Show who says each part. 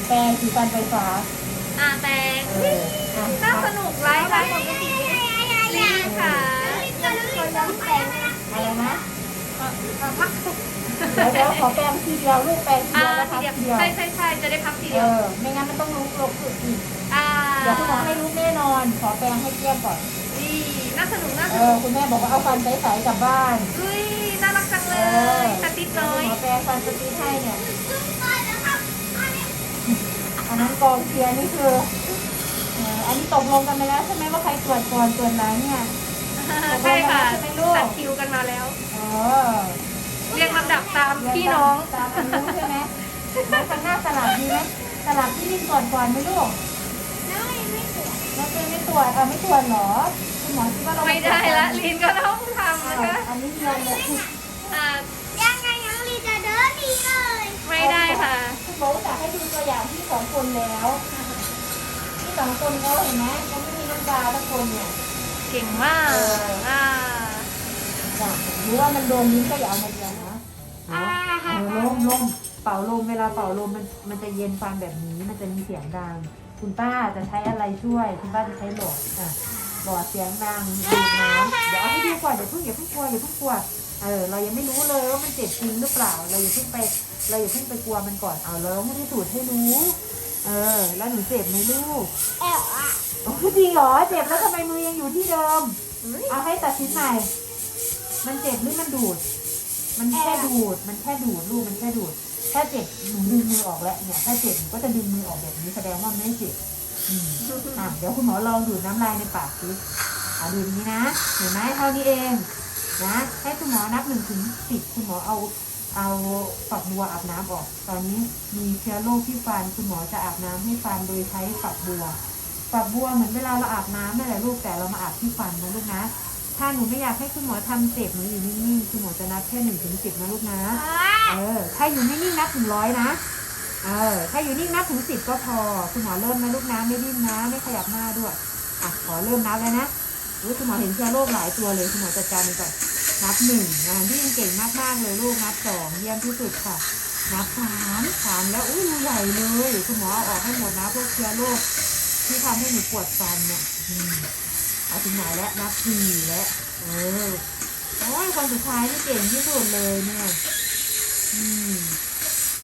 Speaker 1: แปรงสีฟันไฟฟ้า
Speaker 2: แต่
Speaker 1: อ่ะ
Speaker 2: น่าสนุกไลฟ์ปกติลีค่ะ
Speaker 1: อะไรนะ
Speaker 2: พัก
Speaker 1: เดี๋ยวขอแปรงทีเดียวลูกแปรงทีเดียวนะ
Speaker 2: ที
Speaker 1: คะ
Speaker 2: เดียว
Speaker 1: ทีเดียว
Speaker 2: ใช่จะได้พักทีเดียว
Speaker 1: ไม่งั้นมันต้องลุกลบอีกเดี๋ยวคุณหมอให้ลูกแน่นอนขอแปรงให้เกลี้ยงก่อน
Speaker 2: นี่น่าสนุก
Speaker 1: คุณแม่บอกว่าเอาฟันใสๆกลับบ้าน
Speaker 2: อุ้ยน่ารักจังเลยสติ๊กน้อย
Speaker 1: ขอแปรงฟันสติ๊กให้เนี่ยอันนั้นกองเชียร์นี่คืออันนี้ตกลงกันไปแล้วใช่ไหมว่าใครตรวจก่อนตรวจหลังเนี่ย
Speaker 2: ใช่ค่ะจัดคิวกันมาแล้วเรียงลำดับตามพี่น้อง
Speaker 1: ตามอายุใช่ไหมแล้วข้างหน้าสลับดีไหมสลับที่ลิงก่อนไหมลูกแล้วไม่ตรวจไม่ตรวจเหรอคุณหมอคิดว่าเรา
Speaker 2: ไม่ได้ละลินก็ต้องทำนะคะ
Speaker 1: อันนี้เรียนเลย
Speaker 3: ยังลีจะเดินดีเลย
Speaker 2: ไม่ได้ค่ะ
Speaker 1: คุณหมอจะให้ดูตัวอย่างที่2 คนแล้วที่2 คนแล้วเห็นไหมยังไม่มีน้ำตาทุกคนเนี่ย
Speaker 2: เก่งมาก
Speaker 1: หรือว่ามันโดนลิ้นก็อย่าเอามาเรียนนะลมเป่าลมเวลาเป่าลมมันจะเย็นฟันแบบนี้มันจะมีเสียงดังคุณป้าจะใช้อะไรช่วยคุณป้าจะใช้หลอดหลอดเสียงดังดูดน้ำเดี๋ยวเอาให้ดูก่อนอย่าเพิ่งกลัวเรายังไม่รู้เลยว่ามันเจ็บจริงหรือเปล่าเราอย่าเพิ่งไปกลัวมันก่อนเราไม่ได้สูดให้รู้แล้วหนูเจ็บไหมลูกโอ้จริงเหรอเจ็บแล้วทำไมมือยังอยู่ที่เดิมเอาให้ตัดชิ้นใหม่มันเจ็บหรือมันดูดมันแค่ดูดลูกมันแค่ดูดถ้าเจ็บหนูดึงมือออกแล้วเนี่ยถ้าเจ็บหนูก็จะดึงมือออกแบบนี้แสดงว่าไม่เจ็บเดี๋ยวคุณหมอลองดูดน้ำลายในปากสิดูนี้นะเห็นไหมเท่านี้เองนะให้คุณหมอนับ1 ถึง 10คุณหมอเอาฝักบัวอาบน้ำออกตอนนี้มีเชื้อโรคที่ฟันคุณหมอจะอาบน้ำให้ฟันโดยใช้ฝักบัวเหมือนเวลาเราอาบน้ำนั่นแหละลูกแต่เรามาอาบที่ฟันนะลูกนะถ้าหนูไม่อยากให้คุณหมอทำเจ็บหนูอยู่นิ่งๆคุณหมอจะนับแค่1 ถึง 10นะลูกนะถ้าอยู่นิ่งๆนับถึง100นะถ้าอยู่นิ่งนับถึง10ก็พอคุณหมอเริ่มนะลูกนะไม่ดิ้นนะไม่ขยับหน้าด้วยขอเริ่มนับแล้วนะคุณหมอเห็นเชื้อโรคหลายตัวเลยคุณหมอจัดการมันก่อนนับ1ที่ยังเก่งมากๆเลยลูกนับ2เยี่ยมที่สุดค่ะนับ3แล้วรูใหญ่เลยคุณหมอเอาออกให้หมดนะพวกเชื้อโรคที่ทำให้หนูปวดฟันเนี่ยเอาถึงไหนแล้วนับ4แล้วโอ้ยคนสุดท้ายนี่เก่งที่สุดเลยเนี่ย